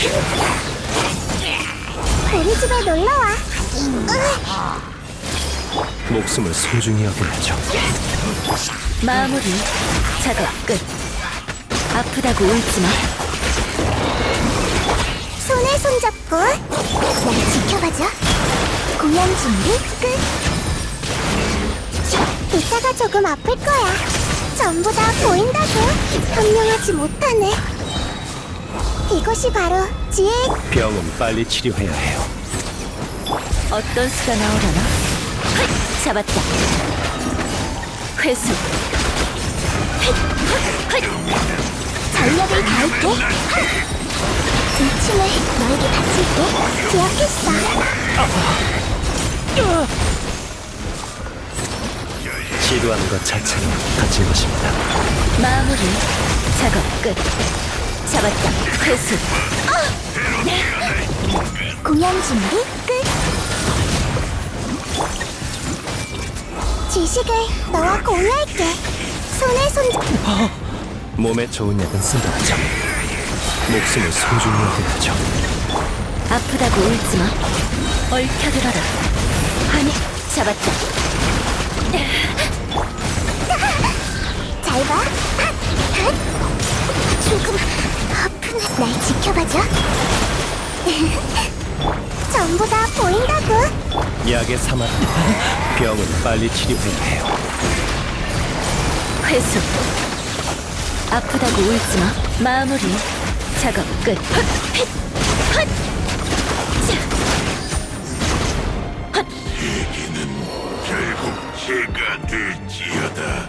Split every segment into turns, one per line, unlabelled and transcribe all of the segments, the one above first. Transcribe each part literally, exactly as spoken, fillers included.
우리 집에 놀러와.
목숨을 소중히 여겨야죠.
마무리. 작업 끝. 아프다고 울지마.
손에 손잡고 날 지켜봐줘. 공연 준비 끝. 이따가 조금 아플 거야. 전부 다 보인다고. 현명하지 못하네. 이것이 바로 지혜의
병은 빨리 치료해야 해요.
어떤 수가 나오려나? 헛! 잡았다. 회수.
전력을 다할게. 이 춤을 너에게 바칠게. 기억했어.
시도하는 것 자체는 갇힌 것입니다.
마무리. 작업 끝. 잡았다. 회수.
공연 준비 끝. 지식을 너와 공유할게. 손에 손잡.
몸에 좋은 약은 쓴다죠. 목숨을 소중히 여겨야죠.
아프다고 울지마. 얽혀들어라. 아니, 잡았다.
잘 봐. 조금 아프네. 날 지켜봐줘. 전부 다 보인다고.
약의 사막. 병은 빨리 치료해야 해요.
회수. 아프다고 울지마. 마무리. 작업 끝. 헛! 핏! 헛! 자! 헛!
결국 제가 될지어다.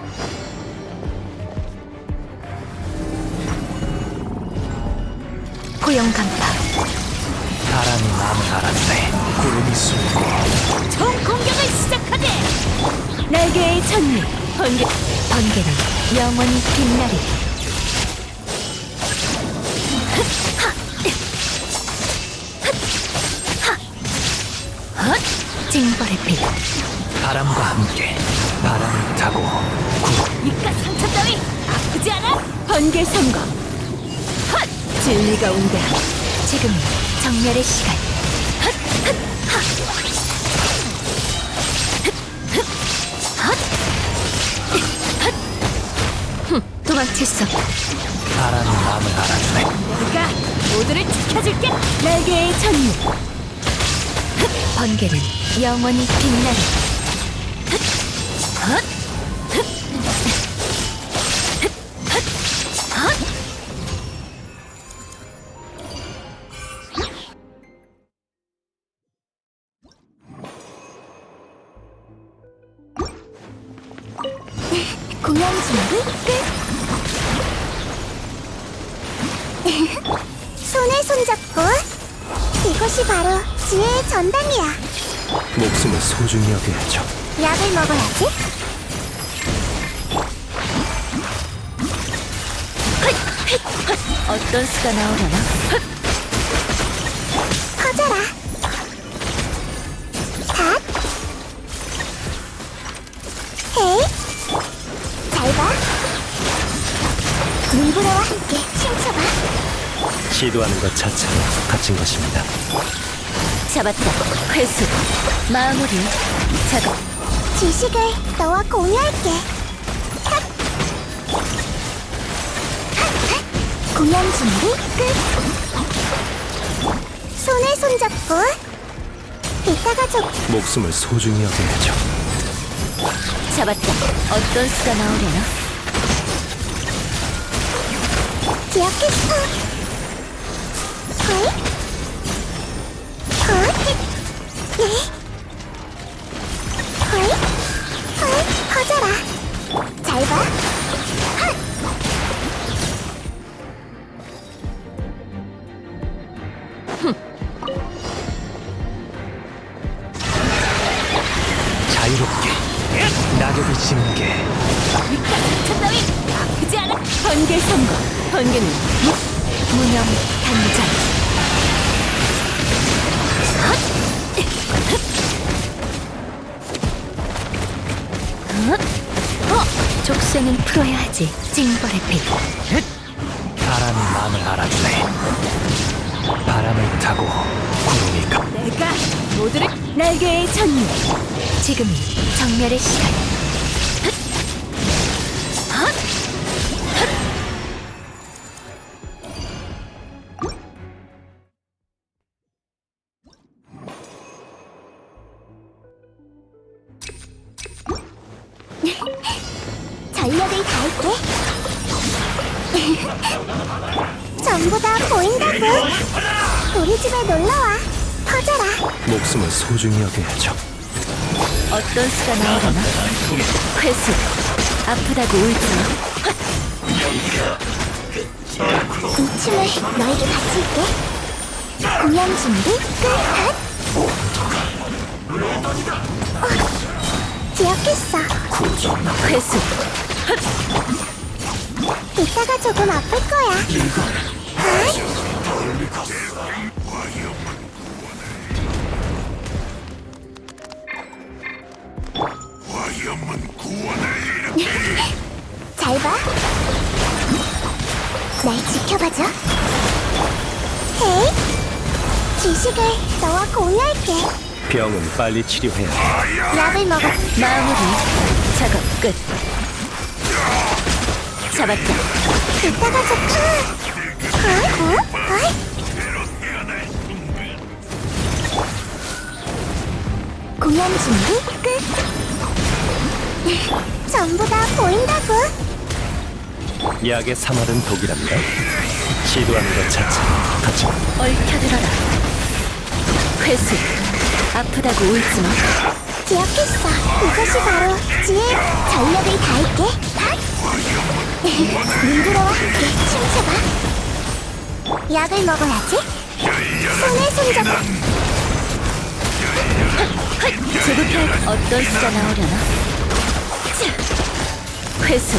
고용 간파.
바람이 마음을 알았네. 구름이 숨고
총 공격을 시작하게. 날개의 천리. 번개. 번개는 영원히 빛나리. 헛! 징벌의 빛.
바람과 함께 바람을 타고 구름.
이깟 상처 따위 아프지 않아? 번개 선거. 헛! 진리가 온다. 지금이 정멸의 시간. 헛! 헛! 하! 헛! 헛! 흠, 도망칠 수 없다.
바람이 마음을 알아주네.
내가 모두를 지켜줄게. 날개의 천리. 헛! 번개는 영원히 빛나리. 헛! 헛! 헛! 헛! 헛!
공연 준비 끝. 손에 손잡고. 이것이 바로 지혜의 전당이야.
목숨을 소중히 여겨야죠.
약을 먹어야지.
어떤 수가 나오려나? 헛!
커져라. 닷. 헤이. 잘 봐. 물부러와 함께 춤춰봐.
시도하는 것 자체는 갇힌 것입니다.
잡았다. 회수. 마무리. 작업.
지식을 너와 공유할게. 핫. 핫. 공연 준비 끝. 손에 손잡고. 이따가 좀
목숨을 소중히 여겨야죠.
잡았다. 어떤 수가 나오려나?
기억했어. 헐. 헐. 네. 헐. 헐. 커져라. 잘 봐. 핫.
자유롭게 낙엽이 지는 게
이깟 상처 따위 아프지 않아? 번개 선거. 번개는 무- 무념 단장. 헛! 어! 족쇄는 풀어야 하지. 징벌의 빛.
바람이 마음을 알아주네. 바람을 타고 구름이 가.
내가 모두를 날개의 전율. 지금이 정멸의 시간. 헛! 헛!
전력을 다할게. 전부 다 보인다고. 우리 집에 놀러와. 퍼져라.
목숨을 소중히 여겨야죠.
어떤 수가 나오려나? 회수. 아프다고 울지 마.
이 춤을 너에게 바칠게. 공연 준비 끝. 핫. 어, 기억했어.
회수.
이따가 조금 아플 거야. 핫.
화염은 구원을 일으켜.
잘 봐. 날 지켜봐줘. 헤이. 지식을 너와 공유할게.
병은 빨리 치료해야 해.
약을 먹어.
마무리. 작업 끝. 잡았다.
이따가 좀. 어? 어? 어? 공연 준비 끝. 전부 다 보인다고.
약의 사마른 독이랍니다. 시도하는 것 자체 하지만
얽혀들어라. 회수. 아프다고 울지 마.
기억했어. 이것이 바로 지혜. 전력을 다할게. 핫. 눈으로와 함께 춤춰봐. 약을 먹어야지. 손에 손잡아.
제부터 어떤 수가 나오려나? 자, 회수.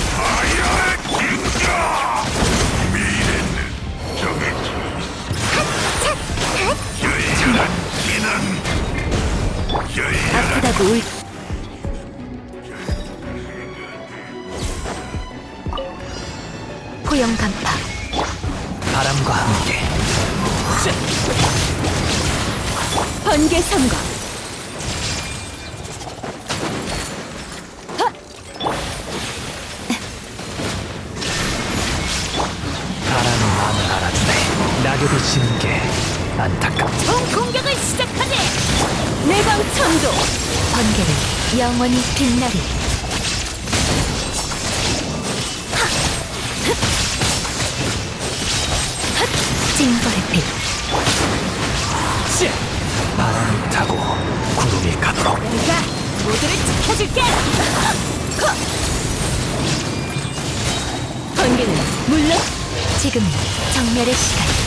아프다고 울. 포영 간파.
바람과 함께.
번개 선거.
바람이 마음을 알아주네. 낙엽이 지는 게 안타깝다.
총 공격을 시작하네. 내방 천도. 번개를 영원히 빛나리. 하! 흡! 헛! 징벌의 빛.
바람을 타고 구름이 가도록.
내가 모두를 지켜줄게. 헉! 번개는 물론 지금이 정멸의 시간.